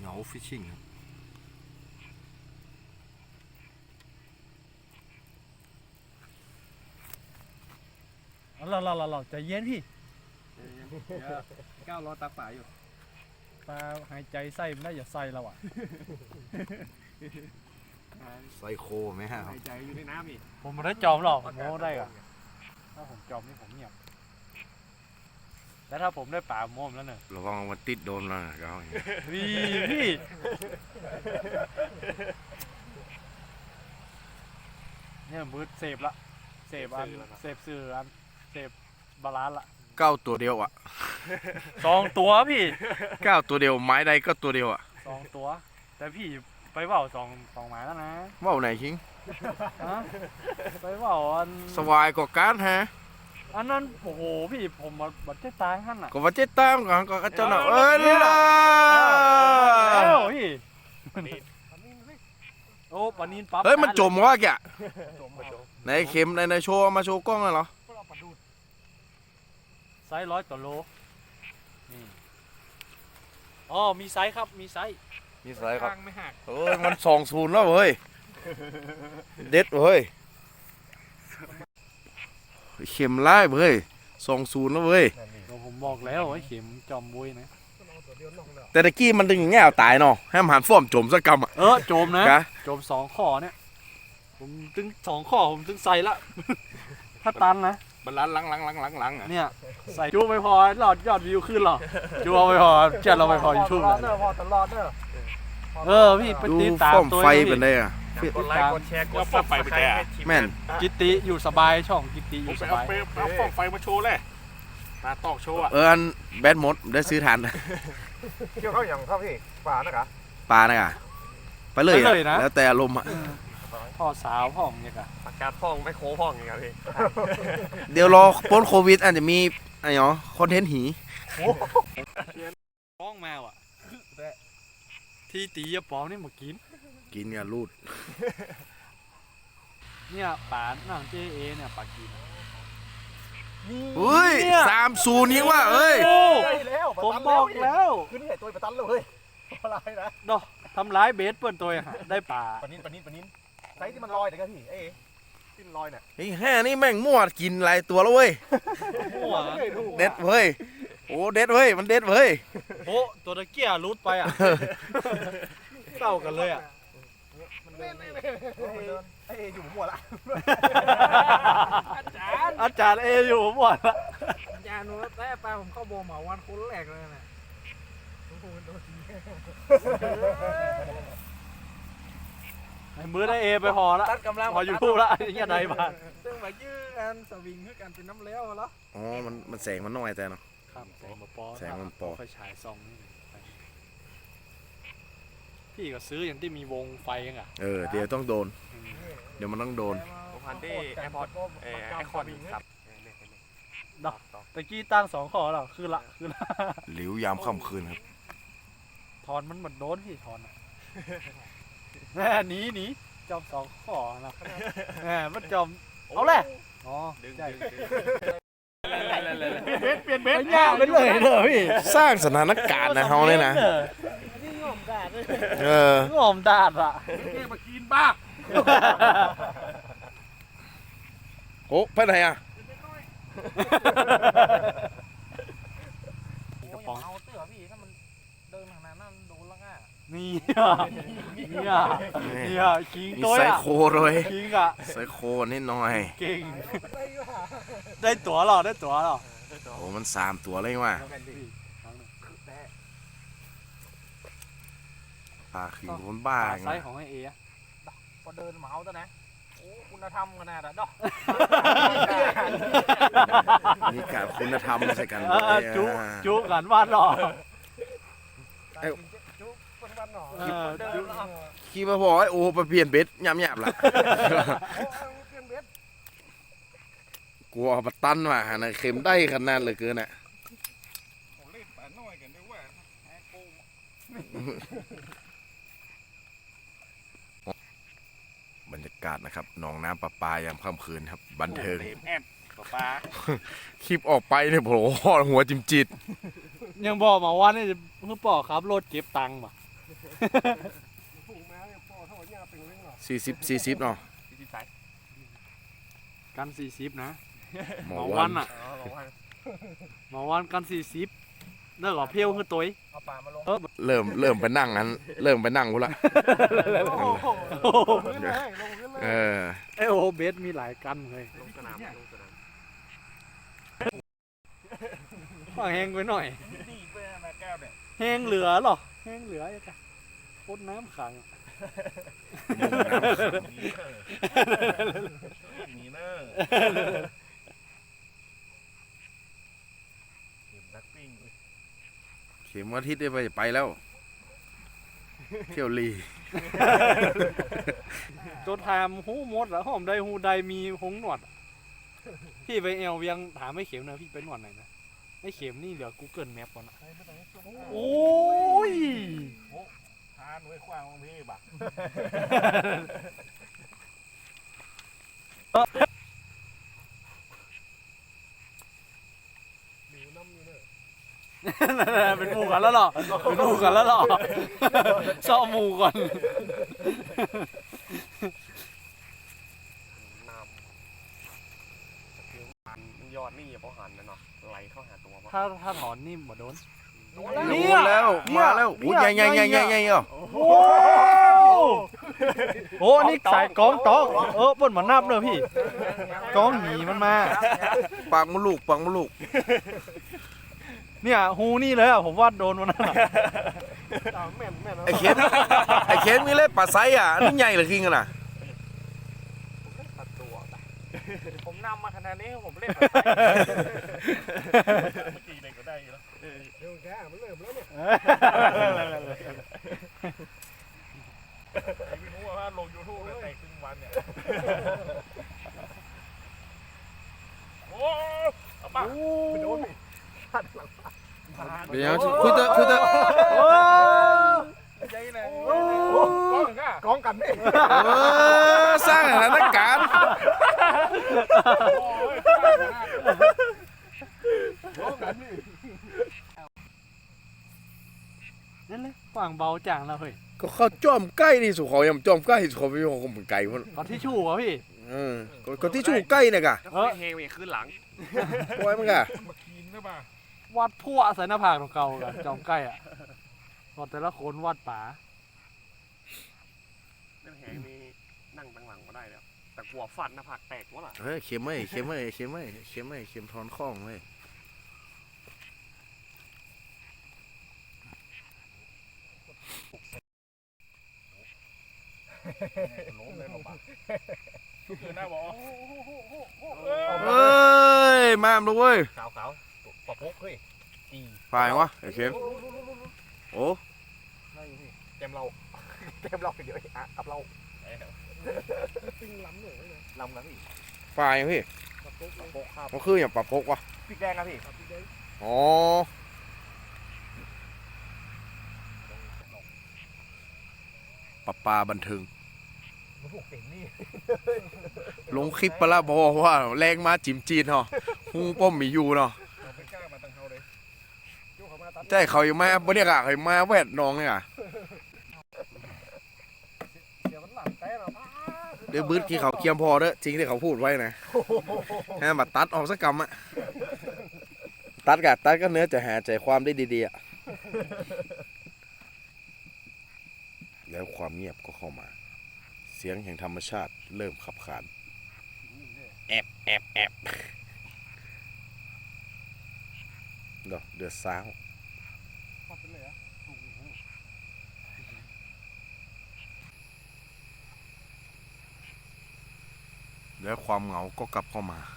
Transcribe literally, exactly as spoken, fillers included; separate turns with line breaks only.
เหงาฟิชชิ่งครับ
เราเราเราเราใจเย็นพี่
ก้าวรอตักป่าอยู่
ปลาหายใจไส้มันได้อย่าไส้เราอ่ะ
ไซโคไหมฮะครับ
หายใจอยู่ในน้ำอีก
ผมไม่ได้จอมหรอกผมโม้ได้อะถ้าผมจอมนี่ผมเงียบแต่ถ้าผมได้ป่าโม้มแล้วเนี่ย
ระวังมันติดโดนแล้วนะเขา
พี่พี่เนี่ยมืดเสพละเสพอันเสพสื่ออันเสพบาลานซ์ละ
เก้าตัวเดียวอ่ะ
สองตัวพี่
เก้าตัวเดียวไม้ใดก็ตัวเดียวอ่ะ
สองตัว แต่พี่ไปเว่าสองสองหมายแล้วนะ
ว่าวไหนคิง
ฮะไปเว่าอัน
สวายกว่าการฮะ
อันนั้นโอ้โหพี่ผมมาบัดเจ็ตางขั้นอ่ะ
ก็ว่าเจ๊ตามกันก็เจ้าหน้าเอ้ยล่ะ
แล้วพี่โอ้ปานินปั๊บ
เฮ้ยมันจมวะแก
จมเอา
ในเข็มในในโชว์มาโชว์กล้องเลยเหรอ
ไซส์ร้อยต่อโลนี่อ๋อมีไซส์ครับมีไซส์
มีสายครับ
ทางไม่หัก
เอ้ยมันสองศูนย์แล้วเฮ้ยเด็ดเฮ้ยเข็มไล่เฮ้ยสองศูนย์แล้วเว้ย
ก็ผมบอกแล้วไอ้เข็มจอมบุยนะ
แต่ตะกี้มันดึงอย่างเงี้ยเอาตายเนาะให้มันหันฟ้อมจมสักกำอ่ะ
เออโจมนะ
กะ
โจมสองข้อเนี่ยผมถึงสองข้อผมถึงใส่ละ ถ้าตันนะ
บรรลันหลังหลังหลังหลังหลังอ่ะ
เนี่ยใส่จูไม่พอหลอดยอดวิวขึ้นหรอจูเอาไม่พอเจ็ดเราไม่พอยูทูบเลย
พอตลอดเนอะ
เออพี่ไป
ดู
ติดตาม
ฟ้อม
ตัว
ไฟ
ให้
เป็น
พี่
ได้อ่ะ
กดไลค์กดแชร์กดซับสไครต์ให้ทีม
แม่น
กิตติอยู่สบายช่องกิตติอ
ผม
ยู่
ไป
ส
เอา
บาย
ไปเอาฟองไฟมาโชว์เลยตาตอกโชว์อ่ะ
เอออันแบดมดได้ซื้อทาน
เกี่ยวเข้าอย่างเข้าพี่ป่านะครับ
ปลานะอ่ะไปเลยอ่ะแล้วแต่อารมณ์อ่ะ
พ่อสาวพ่อของเนี่ยกะ
อากาศพ่องไม่โค้พ่องอย่างเงี้ยพี่
เดี๋ยวรอพ้นโควิดอาจจะมีอะไรเนาะคอนเทนต์หี
ป้องแมวอ่ะที่ตียาปองนี่มากิน
กินเนี่ยรูด
เนี่ยป่าหนังเจเอเนี่ยป่ากิน
เฮ้ยสามศูนย์ยิงว่ะเอ้ย
โอ้
ได้แล้ว
ผมบอกแล้ว
ขึ้นที่ไหนตัวประตันเลยอะไรนะ
เนาะทำร้ายเบสเปิ้นตัวฮะได้ป่า
ปนินปนินปนินไซส์ที่มันลอยเดี๋ยวกันพี่เอ๊ะที่ลอยเนี่ย
ไอ้แห่นี่แม่งมั่วกินหลายตัวแล้วเว้ย
หัว
เด็ดเว้ยโอ้เด็ดเว้ยมันเด็ดเว้ย
โอ้ตัวตะเกียรุดไปอ่ะเศร้ากันเลยอ่ะ
มันเดินมันเดินเอ๊ะอยู่หัวละ
อาจารย์เออยู่หมดละ
ยาหนูแต่ปลาผมเข้าโบเหมาวันคนแรกเลยนะ
ไอ้มือได้เอไปพอละ
ตัดกำลัง
พออยู่ทูบละอย่างเงี้ยได้บ้าน
ซึ่งมายื้อกันสวิงคือกันเป็นน้ำเลี้ยวแล้ว
อ๋อมันมันแสงมันน้อยแต่เนาะ
ครับแสงมาปอ
แสงมันปอ
ไฟฉายซองนี่ไปพี่ก็ซื้ออย่างที่มีวงไฟยังอ่ะ
เออเดี๋ยวต้องโดน เดี๋ยวมันต้องโดน
พันที่แอร์พอร์ตเออไอคอนครับ
ตะกี้ตั้งสองข้อแล้วคือละคือละ
หลิวยามค่ำคืนครับ
ถอนมันเหมือนโดนพี่ถอนอ่ะแหม่หนีหนีจอมสองข้อนะแหมมันจอมเอาแหละอ๋อใช่เบสเปลี่ยนเบสยากไปเลยเด้อพี่
สร้างสถานการณ์นะเฮาเนี่ยนะเออง
อมดาดอ่ะ
แม่มากินบ้า
โอ้ไปไหนอ่ะ
กระป๋อง
เอาเตื้อพี่ถ้ามันเดินขนาดนั้นโดนแล้วง่ะ
นี่อ่ะนี่อ่ะนี่อ่ะคิง
มี
ตัว
ไซ
อ่ะ
โคเลย
คิงอ่ะ
ไซโคนิดหน่อย
เก่งได้ตั๋วหรอได้ตั๋วหรอ
โอ้มันสามตัวเลยว่ะปลาคือคนบ้า
ไซ
ไง
ส์ของไอเออะ
พอเดินเหมาซะนะโอ้คุณธรรมขนาดนั้นดอก
มีการคุณธรรมใส่กัน
เอ
ด้วย
อจุ
อ่ะ
จุกันวาดหรอ
จุ๊บคนบ้านหนอ
เออจุ
ขี่มาบอกไอ้โอ้ไปเปลี่ยนเบ็ดยำยำละ
เพื่อนเบส
กลัวปะตันว่ะนะเข็มได้ขนาดเลยเกินอ่ะ
ผมเล่นป่าน้อยกันด้วยว่าแอร์โกง
บรรยากาศนะครับหนองน้ำประปายามค่ำคืนครับบันเทิง
เต็มแอดปลา
คลิปออกไปเนี่ยโผล่หัวจิมจิต
ยังบอกมาว่านี่เพื่อปอครับรถเก็บตังค์ป่ะ
ถูกแม่เนี่ยพ่อเท่านี้เป็นเรื่องหรอ
สี่สิบสี่สิบเนาะ
สี่สิบสาย
กันสี่สิบนะ
หม
ห
อ
มอ
วั
วัน นอ่ะ
อ๋อบอกว่า
หมอวันกันสี่สิบเลิกกับเพี้ยวคือตัว
เอาปลามาลง
เออ
เริ่มเริ่มไปนั่งนั้นเริ่มไปนั่งกูละ
โอ้โหขึ้นเลยลงขึ้นเลย
เออ
ไอโอเบสมีหลายกันเลย
ลงสนามลงสนาม
ว่าแห้งไปหน่อย
ดีไปนะแก้วเนี่ย
แห้งเหลือเหรอแห้งเหลือยังไงพดน้ำขัง
มีเนอร์เห็นนักปิ้ง
เข็มอาทิตย์ได้ไปไปแล้ว เที่ยวลี
จนถามหูหมดแล้วหอมใดหูใดมีหงหนวดอะพี่ไปเอลเวียงถามไม่เข็มนะพี่ไปหนวดไหนนะไม่เข็มนี่เหลือ Google Map ก่อนนะโอ้ย
ทานไว้ขวางของพี่บ่ะ
เป็นหมู่กันแล้วเหรอเป็นหมู่กันแล้วเหรอซ่อมหมู่ก่อน
น้ำหันยอดนี่อย่าพอหันนะเนาะไหลเข้าหาตัวป่ะ
ถ้าถ้าถอนนี่บ่โดน
โอ้แล้วมาแล้วโอ้ยใหญ่ใหญ่ใหญ่ใหญ่ใหญ่เหรอ
โอ้โหนี่สายกองตองเออเปิ่นมานับเนอะพี่กองหนีมันมา
ปากมะลูกปากมะลูก
เนี่ยฮูนี่เลยอ่ะผมว่าโดนมันน่ะ
แม่นแม่น
ไอ้เข็มไอ้เข็มมีเล่ปลาไซอ่ะอันนี่ใหญ่เหรือคิงกันน่ะ
ตัดตัวไปผมนำมาขนาดนี้ผมเล่น
ตีเลยก็ได้แล้วเดี๋ยวแกมันเริ่มแล้วเนี่ยไอ้พี่รู้ว่าลงยูทูบแล้วแต่ครึ่งวันเนี่ยโอ้เอาป่ะไปโดนดิ
เดี๋ยวคุยเตอะคุยเตอะ
ใจเลยกองกันนี่
เออสร้างสถานการณ์
กองกันนี่
นั่นเลยกว่างเบาจางแล้วเฮ้ย
ก็เข้าจ้อมใกล้นี่สุขอยำจ้อมใกล้สุขอยของผมไก่มัน
เอาที่ชู่เหรอพี่
เออก็ที่ชูใกล้เนี่ยกะ
เออเฮวีขึ้นหลัง
ปล่อยมันกะ
มากินนะป่ะ
วัดพั่วใส่หน้าผากของเก่ากันจอมใกล้อ่ะพอแต่ละคนวัดป๋า
เรื่องแหงนี่นั่งตั้งหลังก็ได้แล้วแต่กลัวฟันหน้าผากแตกวะล่ะ
เฮ้ยเข็มไม่เข็มไม่เข็มไม่เข็มไม่เข็มทอนข้องเลย
ล้มเลยหรอป่ะคือหน้าบอก
เฮ้ยมามเลยเว้ย
ขาวขาวปะพุกเฮ้ยจี
ฝ่ายวะไอ้เข็มโอ้
เต็มเราเต็มเราเดี๋ยวอ่ะกับเรา
ปิ้งล้ำเลยนะ
ลำนะพี่
ฝ่ายพี่
กระปุก
ปะพุกครับ
มันคืออย่างปลาพกวะ
พริกแดงนะพี่
อ๋อปลาปลาบันเทิง
มันพวกเต็มนี่
ลงคลิปไปแล้วบอกว่าแรงมาจิมจีนเหรอฮูป้อมมีอยู่เนาะ
เราไม่กล้ามาตั้งเขาเลยยกเขามาตัด
ใช่เขาอยู่มาบรรยากาศเขามาแวดน้องเนี่ย
เดี๋ยวมันหลับแต่เรา
เดี๋ยวบื้อที่เขาเคียมพอเด้อจริงที่เขาพูดไว้นะฮะมาตัดออกสักกรรมอะตัดกะตัดก็เนื้อจะหาใจความได้ดีๆอะแล้วความเงียบก็เข้ามา เสียงแห่งธรรมชาติเริ่มขับขานแอบแอบแอบเดี๋ยวเดือดซ้าว
ปัดไปเลยอ่ะ
แล้วความเหงาก็กลับเข้ามา